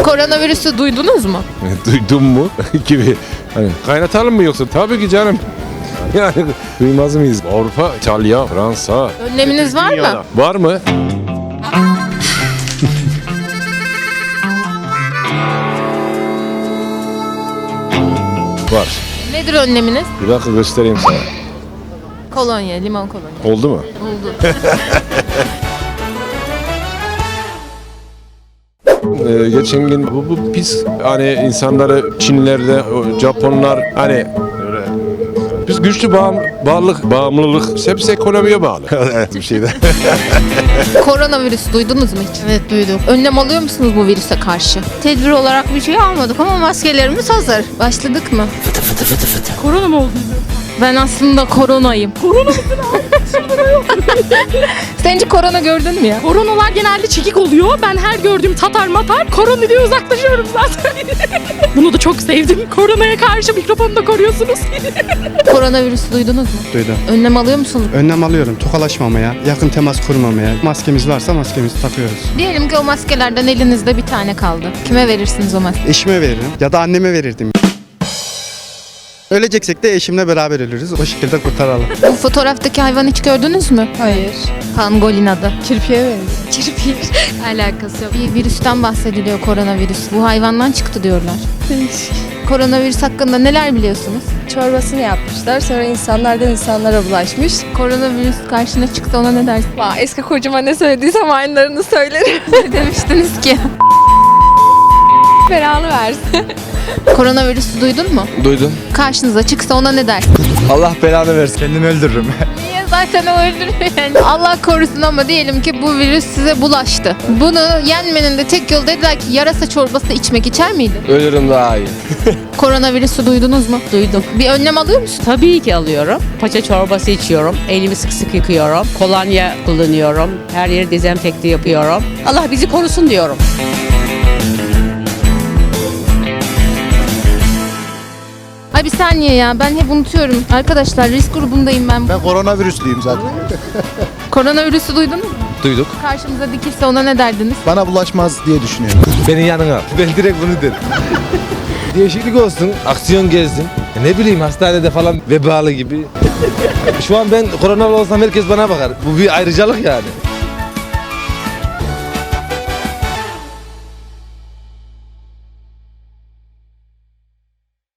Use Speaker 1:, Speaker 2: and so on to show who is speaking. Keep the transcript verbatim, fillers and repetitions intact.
Speaker 1: Koronavirüsü duydunuz mu?
Speaker 2: Duydun mu gibi. Hani kaynatalım mı yoksa? Tabii ki canım. Yani duymaz mıyız? Avrupa, İtalya, Fransa.
Speaker 1: Önleminiz var mı?
Speaker 2: Dünyada. Var mı? Var.
Speaker 1: Nedir önleminiz?
Speaker 2: Bir dakika göstereyim sana.
Speaker 1: Kolonya, limon kolonya.
Speaker 2: Oldu mu?
Speaker 1: Oldu.
Speaker 2: Ee, geçen gün bu, bu pis hani insanları Çinlerde, o Japonlar hani öyle biz güçlü bağım, bağlılık, bağımlılık hepsi ekonomiye bağlı. Bir şeyde.
Speaker 1: Koronavirüsü duydunuz mu hiç?
Speaker 3: Evet duyduk.
Speaker 1: Önlem alıyor musunuz bu virüse karşı?
Speaker 3: Tedbir olarak bir şey almadık ama maskelerimiz hazır.
Speaker 1: Başladık mı?
Speaker 3: Korona mı oldu?
Speaker 1: Ben aslında koronayım. Korona mısın Sen hiç korona gördün mü ya?
Speaker 4: Koronalar genelde çekik oluyor. Ben her gördüğüm tatar matar korona diye uzaklaşıyorum zaten. Bunu da çok sevdim. Koronaya karşı mikrofonu da koruyorsunuz.
Speaker 1: Koronavirüsü duydunuz mu?
Speaker 5: Duydum.
Speaker 1: Önlem alıyor musunuz?
Speaker 5: Önlem alıyorum. Tokalaşmamaya, yakın temas kurmamaya. Maskemiz varsa maskemizi takıyoruz.
Speaker 1: Diyelim ki o maskelerden elinizde bir tane kaldı. Kime verirsiniz o maskeyi?
Speaker 5: Eşime veririm ya da anneme verirdim. Öleceksek de eşimle beraber ölürüz. O şekilde kurtaralım.
Speaker 1: Bu fotoğraftaki hayvanı hiç gördünüz mü?
Speaker 3: Hayır.
Speaker 1: Pangolin adı.
Speaker 3: Kirpiye benziyor.
Speaker 1: Kirpir. Alakası yok. Bir virüsten bahsediliyor, koronavirüs. Bu hayvandan çıktı diyorlar. Koronavirüs hakkında neler biliyorsunuz?
Speaker 3: Çorbasını yapmışlar. Sonra insanlardan insanlara bulaşmış.
Speaker 1: Koronavirüs karşına çıksa ona ne dersin?
Speaker 3: Vay, eski kocama ne söylediysem aynılarını söylerim.
Speaker 1: Ne demiştiniz ki?
Speaker 3: Belanı versin.
Speaker 1: Koronavirüsü duydun mu?
Speaker 6: Duydum.
Speaker 1: Karşınıza çıksa ona ne dersin?
Speaker 6: Allah belanı versin. Kendimi öldürürüm.
Speaker 1: Niye zaten o öldürüyor yani? Allah korusun ama diyelim ki bu virüs size bulaştı. Bunu yenmenin de tek yolu dediler ki yarasa çorbası içmek, içer miydin?
Speaker 6: Ölürüm daha iyi.
Speaker 1: Koronavirüsü duydunuz mu? Duydum. Bir önlem alıyor musun?
Speaker 7: Tabii ki alıyorum. Paça çorbası içiyorum. Elimi sık sık yıkıyorum. Kolonya kullanıyorum. Her yeri dezenfekte yapıyorum. Allah bizi korusun diyorum.
Speaker 1: Ay bir saniye ya, ben hep unutuyorum. Arkadaşlar risk grubundayım ben.
Speaker 8: Ben koronavirüslüyüm zaten.
Speaker 1: Koronavirüsü duydunuz mu?
Speaker 6: Duyduk.
Speaker 1: Karşımıza dikilse ona ne derdiniz?
Speaker 8: Bana bulaşmaz diye düşünüyorum.
Speaker 6: Beni yanına. Ben direkt bunu derim. Değişiklik olsun. Aksiyon gezdim. Ya ne bileyim hastanede falan vebalı gibi. Şu an ben koronalı olsam herkes bana bakar. Bu bir ayrıcalık yani.